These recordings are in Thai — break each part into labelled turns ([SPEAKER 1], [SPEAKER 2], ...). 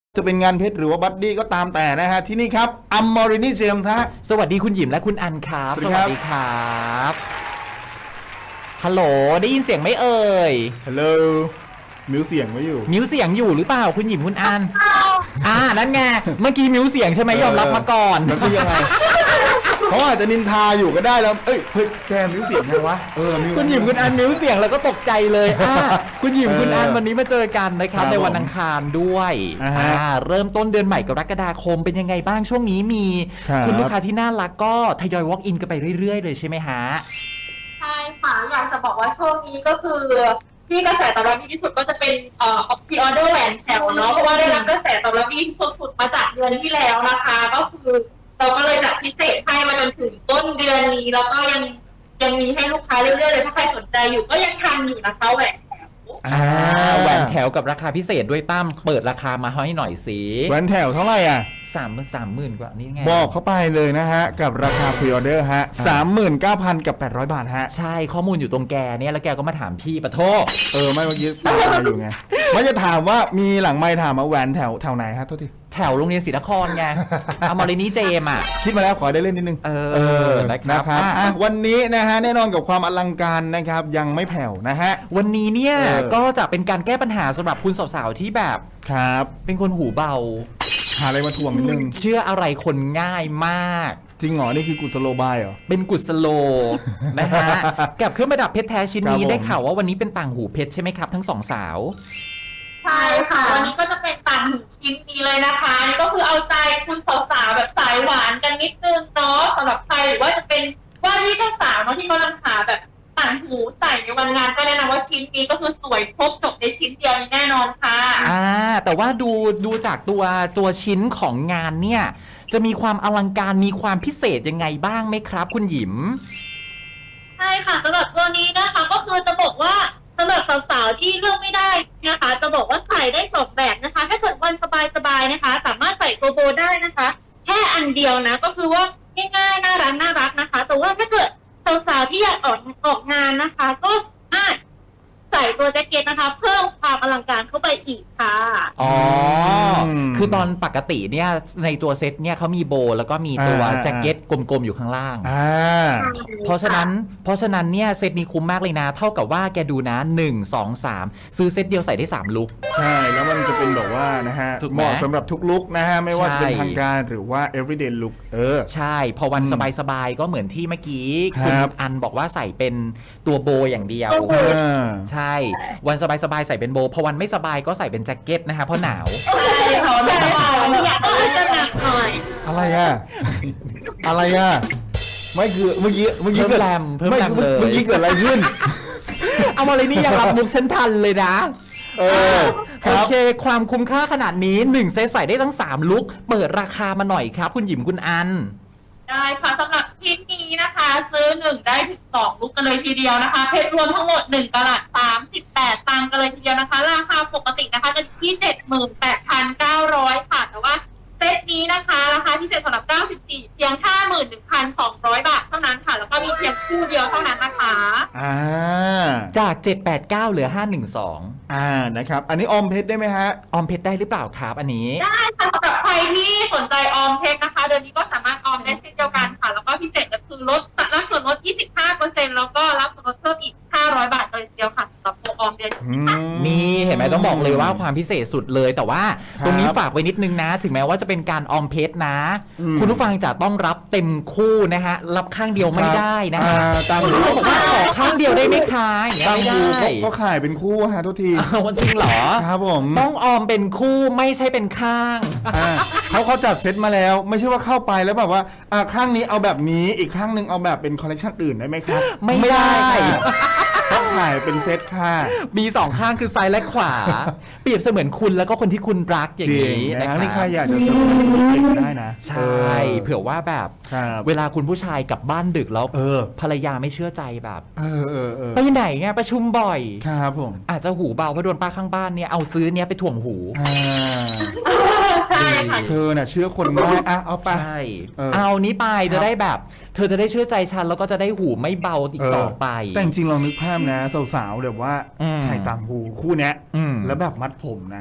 [SPEAKER 1] จะเป็นงานเพชรหรือว่าบัดดี้ก็ตามแต่นะฮะที่นี่ครับอัมมอรินีเจมส์ฮะ
[SPEAKER 2] สวัสดีคุณหยิมและคุณอันครับ
[SPEAKER 1] สวัสดีครับ
[SPEAKER 2] ฮัลโหลได้ยินเสียงไหมเอ่ย
[SPEAKER 1] ฮัลโหลมิวเสียงไว้อยู่
[SPEAKER 2] มิวเสียงอยู่หรือเปล่าคุณหยิมคุณอันนั่นไงเมื่อกี้มิวเสียงใช่ไหมยอมรับมาก่อน
[SPEAKER 1] แล้วคือยังไงเขาอาจจะนินทาอยู่ก็ได้แล้วเฮ้ยแกมิวเสียงไงวะมิว
[SPEAKER 2] คุณหยิมคุณอันมิวเสียงแล้วก็ตกใจเลยคุณหยิมคุณอันวันนี้มาเจอกันนะครับในวันอังคารด้วยเริ่มต้นเดือนใหม่กรกฎาคมเป็นยังไงบ้างช่วงนี้มีคุณลูกค้าที่น่ารักก็ทยอย walk in กันไปเรื่อยๆเลยใช่ไหมฮะ
[SPEAKER 3] ใช่ค่ะอยากจะบอกว่าช่วงนี้ก็คือที่กระแสตอบรับดีที่สุดก็จะเป็นพรีออเดอร์แหวนแถวเนาะเพราะว่าได้รับกระแสตอบรับดีสุดๆมาจากเดือนที่แล้วนะคะก็คือเราก็เลยจัดพิเศษให้มาจนถึงต้นเดือนนี้แล้วก็ยังมีให้ลูกค้าเรื่อยๆเลยถ้าใครสนใจอยู่ก็ยังทันอยู่นะคะแหวนแถว
[SPEAKER 2] แหวนแถวกับราคาพิเศษด้วยตั้มเปิดราคามาให้หน่อยสิ
[SPEAKER 1] แหวนแถวเท่าไหร่อ่ะ
[SPEAKER 2] 30,000กว่านี่ไง
[SPEAKER 1] บอกเข้าไปเลยนะฮะกับราคาพรีออเดอร์ฮะ 39,000 กับ 800 บาทฮะ
[SPEAKER 2] ใช่ข้อมูลอยู่ตรงแกเนี่ยแล้วแกก็มาถามพี่ปะโท
[SPEAKER 1] ไม่เมื่อกี้ตามมาอยู่ไงไม่จะถามว่ามีหลังไมค์ถามมาแหวนแถวไหนฮะโทษที
[SPEAKER 2] แถวโรงเรียนศรีนครไงอมรินีเจม
[SPEAKER 1] คิดมาแล้วขอได้เล่นนิดนึงนะครับวันนี้นะฮะแน่นอนกับความอลังการนะครับยังไม่แผ่วนะฮะ
[SPEAKER 2] วันนี้เนี่ยก็จะเป็นการแก้ปัญหาสำหรับคุณสาวๆที่แบบ
[SPEAKER 1] ครับ
[SPEAKER 2] เป็นคนหูเบา
[SPEAKER 1] หาอะไรมาทวงนิดนึง
[SPEAKER 2] เชื่ออะไรคนง่ายมาก
[SPEAKER 1] จริงเหรอนี่คือกุศโลบายเหรอ
[SPEAKER 2] เป็นกุศโลนะฮะกับเครื่องประดับเพชรแท้ชิ้นนี้ได้ข่าวว่าวันนี้เป็นต่างหูเพชรใช่ไหมครับทั้งสองสาว
[SPEAKER 3] ใช่ค่ะวันนี้ก็จะเป็นต่างหูชิ้นนี้เลยนะคะนี่ก็คือเอาใจคุณสาวๆแบบสายหวานกันนิดนึงเนาะสำหรับใครหรือว่าจะเป็นว่าที่เจ้าสาวเนาะที่กำลังหาแบบต่างหูใส่ในวันงานก็แนะนำว่าชิ้นนี้ก็คือสวยครบจบในชิ้นเดียวนี้แน่นอนค่ะ
[SPEAKER 2] แต่ว่าดูจากตัวชิ้นของงานเนี่ยจะมีความอลังการมีความพิเศษยังไงบ้างไหมครับคุณหยิม
[SPEAKER 3] ใช่ค่ะสำหรับตัวนี้นะคะก็คือจะบอกว่าสำหรับสาวๆที่เลือกไม่ได้นะคะจะบอกว่าใส่ได้2แบบนะคะถ้าเกิดวันสบายๆนะคะสามารถใส่โกโบได้นะคะแค่อันเดียวนะก็คือว่าง่ายๆน่ารักนะคะแต่ว่าถ้าเกิดสาวๆที่อยากออกงานนะคะก็ใส่ตัวแจ็คเก็ตนะคะเพิ่มความอลังการเข้าไปอีกค่ะ
[SPEAKER 2] คือตอนปกติเนี่ยในตัวเซตเนี่ยเขามีโบแล้วก็มีตัวแจ็คเก็ตกลมๆอยู่ข้างล่างเพราะฉะนั้นเนี่ยเซตนี้คุ้มมากเลยนะเท่ากับว่าแกดูนะ1 2 3ซื้อเซตเดียวใส่ได้3ลุค
[SPEAKER 1] ใช่แล้วมันจะเป็นแบบว่านะฮะเหมาะสำหรับทุกลุคนะฮะไม่ว่าจะเป็นทางการหรือว่า everyday look
[SPEAKER 2] ใช่พอวันสบายๆก็เหมือนที่เมื่อกี้คุณอันบอกว่าใส่เป็นตัวโบอย่างเดียวใช่วันสบายๆใส่เป็นโบพอวันไม่สบายก็ใส่เป็นแจ็คเก็ตนะคะเพราะหนาว
[SPEAKER 3] อยากจะหนักหน่อย
[SPEAKER 1] อะไรไม่คือเมื่อกี้
[SPEAKER 2] เกิดเ
[SPEAKER 1] มื่อกี้เกิดอะไรขึ้น
[SPEAKER 2] เอามาเลยนี่ยังรับมุกฉันทันเลยนะโอเคความคุ้มค่าขนาดนี้1เซตใส่ได้ทั้ง3ลุคเปิดราคามาหน่อยครับคุณหยิมคุณอัน
[SPEAKER 3] ได้ค่ะสำหรับชิ้นนี้นะคะซื้อ1ได้ถึง2ลุกกันเลยทีเดียวนะคะเพชรรวมทั้งหมด1กะรัต38ตังค์กันเลยทีเดียวนะคะราคาปกตินะคะจะที่ 78,900 ค่ะแต่ว่าเซตนี้นะคะราคาพิเศษสำหรับ94เพียง 51,200 บาทเท่านั้นค่ะแล้วก็มีเพียงคู่เดียวเท่านั้นนะคะ
[SPEAKER 2] จาก789เหลือ512
[SPEAKER 1] นะครับอันนี้ออมเพชรได้ไหมฮะ
[SPEAKER 2] ออมเพชรได้หรือเปล่าครับอันนี้
[SPEAKER 3] ได้ค่ะสำหรับใครที่สนใจออมเพชรนะคะเดือนนี้ก็สามารถออมได้เช่นเดียวกันค่ะแล้วก็พิเศษก็คือรับส่วนลด 25% แล้วก็รับส่วนลดเพิ่มอีก500 บาทเลยทีเดียวค่ะสำหรับโปรออมเดือน
[SPEAKER 2] นี่เห็นไหมต้องบอกเลยว่าความพิเศษสุดเลยแต่ว่าตรงนี้ฝากไว้นิดนึงนะถึงแม้ว่าจะเป็นการออมเพชรนะคุณผู้ฟังจะต้องรับเต็มคู่นะฮะรับข้างเดียวไม่ได้นะฮะ
[SPEAKER 1] ตามหู
[SPEAKER 2] บอกว่าขอข้างเดียวได้ไหมคะอย่างเงี้ยไม่ได้
[SPEAKER 1] ก็ขายเป็นคู่ฮะทุกที
[SPEAKER 2] จริงเหรอ
[SPEAKER 1] ครับผม
[SPEAKER 2] ต้องออมเป็นคู่ไม่ใช่เป็นข้าง
[SPEAKER 1] เขาจัดเซตมาแล้วไม่ใช่ว่าเข้าไปแล้วแบบว่าข้างนี้เอาแบบนี้อีกข้างนึงเอาแบบเป็นคอลเลคชันอื่นได้ไหมครับ
[SPEAKER 2] ไม่ได้
[SPEAKER 1] ต้องขายเป็นเซตค่ะ
[SPEAKER 2] มี2ข้างคือซ้ายและขวาเปรียบเสมือนคุณแล้วก็คนที่คุณรักอย่างนี้
[SPEAKER 1] นะครับนี่ใครอยากจะเสริมได้นะ
[SPEAKER 2] ใช่เผื่อว่าแบบเวลาคุณผู้ชายกลับบ้านดึกแล้วภรรยาไม่เชื่อใจแบบไปไหนไงประชุมบ่อย
[SPEAKER 1] ครับผม
[SPEAKER 2] อาจจะหูเบาเพราะโดนป้าข้างบ้านเนี่ยเอาซื้อเนี้ยไปถ่วงหู
[SPEAKER 3] ใช่ค่ะ
[SPEAKER 1] เธอน่ะเชื่อคนง่ายเอาไป
[SPEAKER 2] เอานี้ไปจะได้แบบเธอจะได้เชื่อใจฉันแล้วก็จะได้หูไม่เบาอีกต่อไป
[SPEAKER 1] แต่จริงๆลองนึกภาพนะสาวๆแบบว่าใส่ต่างหูคู่เนี้ยแล้วแบบมัดผมนะ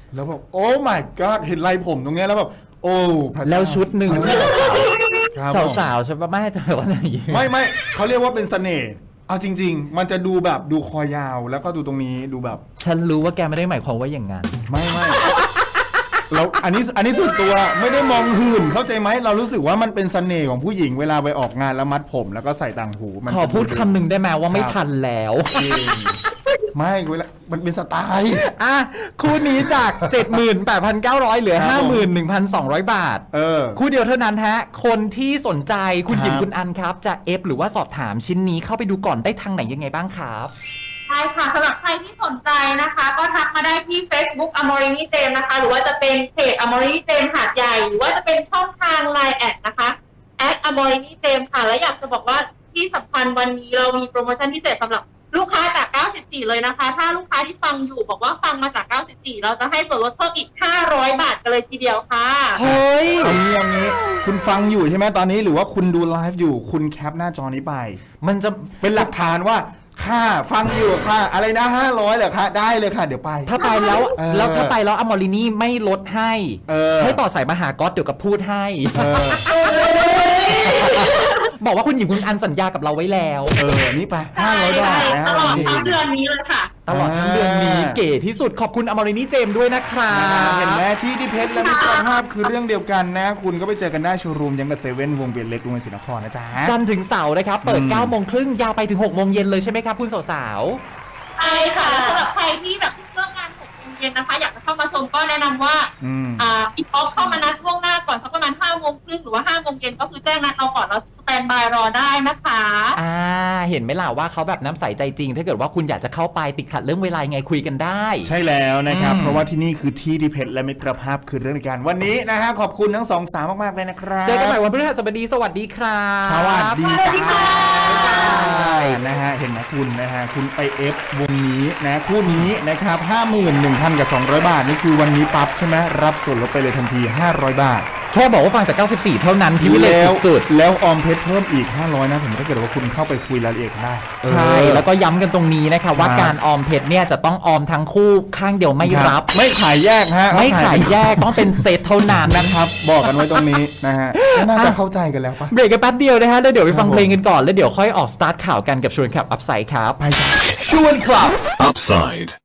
[SPEAKER 1] แล้วแบบโอ้ my god เห็นไรผมตรงเนี้ยแล้วแบบโอ้พระเจ้า
[SPEAKER 2] แล้วชุดหนึ่งที่
[SPEAKER 1] ครับผม
[SPEAKER 2] สาวๆใช่ปะไม่แต่ว่าอย่างงี้
[SPEAKER 1] ไม่เขาเรียกว่าเป็นเสน่ห์เอาจริง ๆ มันจะดูแบบดูคอยาวแล้วก็ดูตรงนี้ดูแบบ
[SPEAKER 2] ฉันรู้ว่าแกไม่ได้หมายความว่าอย่างนั้น
[SPEAKER 1] ไม่เราอันนี้ส่วนตัวไม่ได้มองหื่นเข้าใจไหมเรารู้สึกว่ามันเป็นเสน่ห์ของผู้หญิงเวลาไปออกงานแล้วมัดผมแล้วก็ใส่ต่างหูมัน
[SPEAKER 2] ขอพูดคำหนึ่งได้ไหมว่าไม่ทันแล้ว
[SPEAKER 1] จริงไม่เวลามันเป็นสไตล์
[SPEAKER 2] อ่ะคู่นี้จาก 78,900 เหลือ
[SPEAKER 1] ครับผม
[SPEAKER 2] 51,200 บาท คู่เดียวเท่านั้นฮะ คนที่สนใจคุณหญิง
[SPEAKER 1] ครับ
[SPEAKER 2] คุณอันครับ จะเอฟหรือว่าสอบถามชิ้นนี้เข้าไปดูก่อนได้ทางไหนยังไงบ้างครับ
[SPEAKER 3] ใช่ค่ะสำหรับใครที่สนใจนะคะ ก็ทักมาได้ที่ Facebook Amorini Jam นะคะ หรือว่าจะเป็นเพจ Amorini Jam หาดใหญ่ หรือว่าจะเป็นช่องทาง Line แอดนะคะ @Amorini Jam ค่ะ และอยากจะบอกว่าที่สำคัญวันนี้เรามีโปรโมชั่นพิเศษสำหรับลูกค้าจาก 94 เลยนะคะ ถ้าลูกค้าที่ฟังอยู่บอกว่าฟังมาจาก 94 เราจะให้ส่วนลดเพิ่มอีก 500 บาทกันเลยทีเดียวค่ะ
[SPEAKER 2] เฮ้ย
[SPEAKER 1] เอางี้คุณฟังอยู่ใช่ไหมตอนนี้หรือว่าคุณดูไลฟ์อยู่คุณแคปหน้าจอนี้ไป
[SPEAKER 2] มันจะ
[SPEAKER 1] เป็นหลักฐานว่าค่าฟังอยู่ค่ะอะไรนะ500เหรอคะได้เลยค่ะเดี๋ยวไป
[SPEAKER 2] ถ้าไปแล้ว
[SPEAKER 1] แล้ว
[SPEAKER 2] ถ้าไปแล้วอมอรินี่ไม่ลดให้
[SPEAKER 1] ให้
[SPEAKER 2] ต่อสายมาหาก๊อตเดี๋ยวกับพูดให้
[SPEAKER 1] เออ
[SPEAKER 2] บอกว่าคุณหญิงคุณอันสัญญากับเราไว้แล้ว
[SPEAKER 1] นี่ไป500 บาทนะ
[SPEAKER 3] ตลอด
[SPEAKER 1] จริง
[SPEAKER 3] ทั้งเดือนนี้เลยค่ะ
[SPEAKER 2] ตลอดทั้งเดือนนี้เก๋ที่สุดขอบคุณอมรินี่เจมส์ด้วยนะครั
[SPEAKER 1] เห็นไหม
[SPEAKER 2] บ
[SPEAKER 1] ที่เพชรและมิตรภาพคือเรื่องเดียวกันนะ คุณก็ไปเจอกันได้โชว์รูมยังกับเซเว่นวงเวียนเล็กกรุงเทพศรีนครนะจ๊ะ
[SPEAKER 2] จันทร์ถึงเสาร์นะครับ เปิด 9 โมงครึ่งยาวไปถึง 6 โมงเย็นเลยใช่ไหมครับคุณสาว
[SPEAKER 3] ใช่ค่ะสำหรับใครที่แบบเลิกงาน6 โมงเย็นนะคะ อยากจะเข้ามาชมก็แนะนำว่า อินบ็อกซ์เข้ามานัดล่วงหน้าก่อนสักประมาณ5 โมงครึ่งหรือว่า5 โมงเย็นก็คือแจ้งนัดเราก่อนแล้วสแตนบายรอได้นะคะ
[SPEAKER 2] เห็นไหมล่ะว่าเขาแบบน้ำใสใจจริง ถ้าเกิดว่าคุณอยากจะเข้าไปติดขัดเรื่องเวลายังไงคุยกันได้
[SPEAKER 1] ใช่แล้วนะครับ
[SPEAKER 2] อืม
[SPEAKER 1] เพราะว่าที่นี่คือที่เพชรและมิตรภาพคือเรื่องเดียวกันวันนี้นะฮะขอบคุณทั้งสองสาวมากๆเลยนะครับ
[SPEAKER 2] เจอกันใหม่วันพฤหัสบดีสวัสดีครับ
[SPEAKER 1] สวัสดี
[SPEAKER 3] สวัสดีค่ะ
[SPEAKER 1] นะฮะเห็นไหมคุณนะฮะคุณไปเอฟวงนี้นะคู่นี้นะครับ 51,000 กับ 200 บาทนี่คือวันนี้ปั๊บใช่ไหมรับส่วนลดไปเลยทันที 500 บาท
[SPEAKER 2] แค่บอกว่าฟังจาก 94 เท่านั้นพิเวเล
[SPEAKER 1] แล้ว
[SPEAKER 2] สุด
[SPEAKER 1] แล้วออมเพชรเพิ่มอีก 500 นะผมถ้าเกิดว่าคุณเข้าไปคุยรายละเอียดกันได้
[SPEAKER 2] ใช่ แล้วก็ย้ำกันตรงนี้นะคะว่า
[SPEAKER 1] ครับ
[SPEAKER 2] การออมเพชรเนี่ยจะต้องออมทั้งคู่ข้างเดียวไม่รับ
[SPEAKER 1] ไม่ขายแยกฮะ
[SPEAKER 2] ไม่ขายแยกต้องเป็นเซตเท่านั้น
[SPEAKER 1] นะครับ บอกกันไว้ตรงนี้นะฮะก็น่าจะเข้าใจกันแล้วปะ
[SPEAKER 2] เบรกกันแป๊บเดียวนะฮะแล้วเดี๋ยวไปฟัง
[SPEAKER 1] ครับผม
[SPEAKER 2] เพลงกันก่อน แล้วเดี๋ยวค่อยออกสตาร์ทข่าวกันกับชวนขับอัพไซด์ครับ
[SPEAKER 1] ไปจ้ะ
[SPEAKER 4] ชวนคลับ Upside